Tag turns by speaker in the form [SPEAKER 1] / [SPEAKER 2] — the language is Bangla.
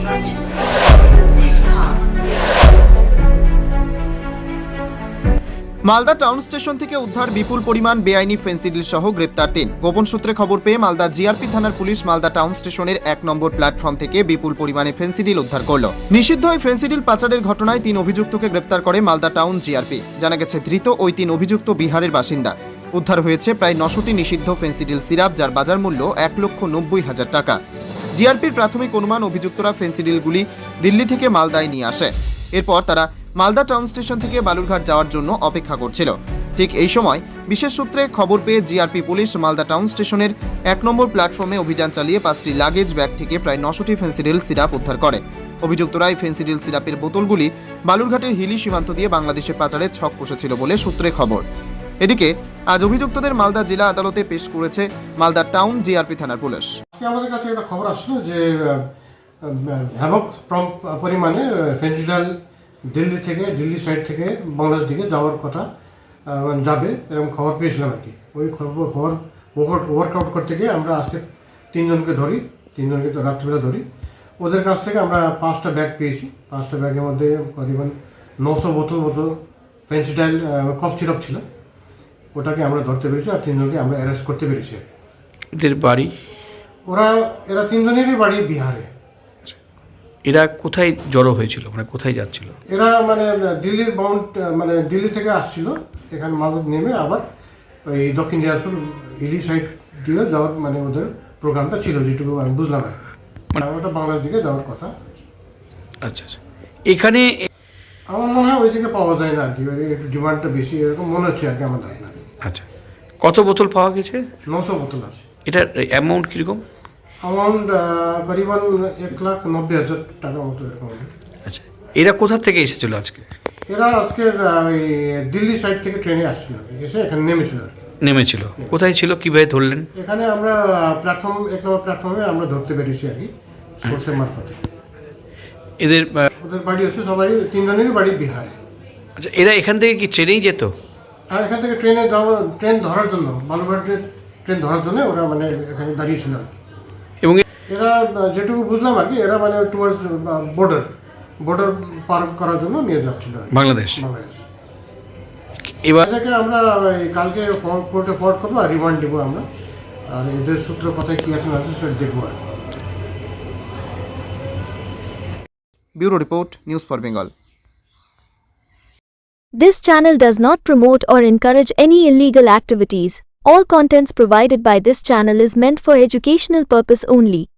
[SPEAKER 1] মালদা টাউন স্টেশন থেকে উদ্ধার বিপুল পরিমাণ বেআইনি ফেন্সিডিল সহ গ্রেপ্তার ৩। গোপন সূত্রে খবর পেয়ে মালদা জিআরপি থানার পুলিশ মালদা টাউন স্টেশনের ১ নম্বর প্ল্যাটফর্ম থেকে বিপুল পরিমাণে ফেন্সিডিল উদ্ধার করল। নিষিদ্ধ ওই ফেন্সিডিল পাচারের ঘটনায় ৩ অভিযুক্তকে গ্রেপ্তার করে মালদা টাউন জিআরপি। জানা গেছে ধৃত ওই ৩ অভিযুক্ত বিহারের বাসিন্দা। উদ্ধার হয়েছে প্রায় ৯০টি নিষিদ্ধ ফেন্সিডিল সিরাপ, যার বাজার মূল্য ১,৯০,০০০ টাকা। জিআরপির প্রাথমিক অনুমান অভিযুক্তরা ফেন্সিডিলগুলি দিল্লি থেকে মালদায় নিয়ে আসে। এরপর তারা মালদা টাউন স্টেশন থেকে বালুরঘাট যাওয়ার জন্য অপেক্ষা করছিল। ঠিক এই সময় বিশেষ সূত্রে খবর পেয়ে জিআরপি পুলিশ মালদা টাউন স্টেশনের ১ নম্বর প্ল্যাটফর্মে অভিযান চালিয়ে ৫টি লাগেজ ব্যাগ থেকে প্রায় ৯০টি ফেন্সিডিল সিরাপ উদ্ধার করে। অভিযুক্তরা এই ফেন্সিডিল সিরাপের বোতলগুলি বালুরঘাটের হিলি সীমান্ত দিয়ে বাংলাদেশে পাচারের ছক কষেছিল বলে সূত্রে খবর। এদিকে আজ অভিযুক্তদের মালদা জেলা আদালতে পেশ করেছে মালদা টাউন জিআরপি থানার পুলিশ।
[SPEAKER 2] আমাদের কাছে একটা খবর আসলো যে ব্যাপক পরিমাণে ফেন্সিডিল দিল্লি সাইড থেকে বাংলাদেশ দিকে যাওয়ার কথা যাবে এরকম খবর পেয়েছিলাম আর কি। ওই খবর ওয়ার্কআউট করতে গিয়ে আমরা আজকে তিনজনকে তো রাত্রিবেলা ধরি। ওদের কাছ থেকে আমরা 5টা ব্যাগ পেয়েছি। 5টা ব্যাগের মধ্যে করিবন 900 বোতল ফেন্সিডিল কফ সিরাপ ছিল। ওটাকে আমরা ধরতে পেরেছি আর তিনজনকে আমরা অ্যারেস্ট করতে পেরেছি।
[SPEAKER 3] এদের বাড়ি?
[SPEAKER 2] এরা তিনজনেরই বাড়ি বিহারে।
[SPEAKER 3] এরা কোথায় জড়ো হয়েছিল, মানে কোথায় যাচ্ছিল?
[SPEAKER 2] এরা দিল্লি থেকে আসছিল, এখানে মালদা নেমে আবার ওই দক্ষিণ দিনাজপুর হিলি সাইড দিয়ে যাওয়ার ওদের প্রোগ্রামটা ছিল, যেটুকু আমি বুঝলাম আর ওটা বাংলাদেশ দিকে যাওয়ার কথা।
[SPEAKER 3] আচ্ছা আচ্ছা, এখানে
[SPEAKER 2] আমার মনে হয় ওই দিকে পাওয়া যায় না আর কি, একটু ডিমান্ডটা বেশি এরকম মনে হচ্ছে আর কি আমার ধারণা।
[SPEAKER 3] আচ্ছা, কত বোতল পাওয়া গেছে?
[SPEAKER 2] 900 বোতল আছে।
[SPEAKER 3] এটার অ্যামাউন্ট কীরকম?
[SPEAKER 2] অ্যামাউন্ট করিবন 1,90,000 টাকা মতো এরকম।
[SPEAKER 3] আচ্ছা, এরা কোথা থেকে এসেছিল আজকে?
[SPEAKER 2] এরা আজকে ওই দিল্লি সাইড থেকে ট্রেনে আসছিল, এসে এখানে নেমেছিল।
[SPEAKER 3] কোথায় ছিল, কিভাবে ধরলেন?
[SPEAKER 2] এখানে আমরা 1 নম্বর প্ল্যাটফর্মে আমরা ধরতে পেরেছি আর কি, সোর্সের মারফতে। ওদের বাড়ি হচ্ছে সবাই তিনজনেরই বাড়ি বিহারে।
[SPEAKER 3] আচ্ছা, এরা এখান থেকে কি ট্রেনেই যেত?
[SPEAKER 2] হ্যাঁ, এখান থেকে ট্রেন ধরার জন্য, বালুরঘাটের ট্রেন ধরার জন্য ওরা এখানে দাঁড়িয়েছিল আর কি।
[SPEAKER 3] এবং
[SPEAKER 2] এরা যেটুকু বুঝলাম আর কি, এরা টুয়ার্ডস বর্ডার পার করার জন্য নিয়ে যাচ্ছিল
[SPEAKER 3] বাংলাদেশ।
[SPEAKER 2] এবার থেকে আমরা কালকে কোর্টে ফরওয়ার্ড করবো আর রিমান্ড দেবো আমরা, আর এদের সূত্র কথায় কি আছে সেটা দেখবো আর।
[SPEAKER 1] Bureau report, news for Bengal.
[SPEAKER 4] This channel does not promote or encourage any illegal activities. All contents provided by this channel is meant for educational purpose only.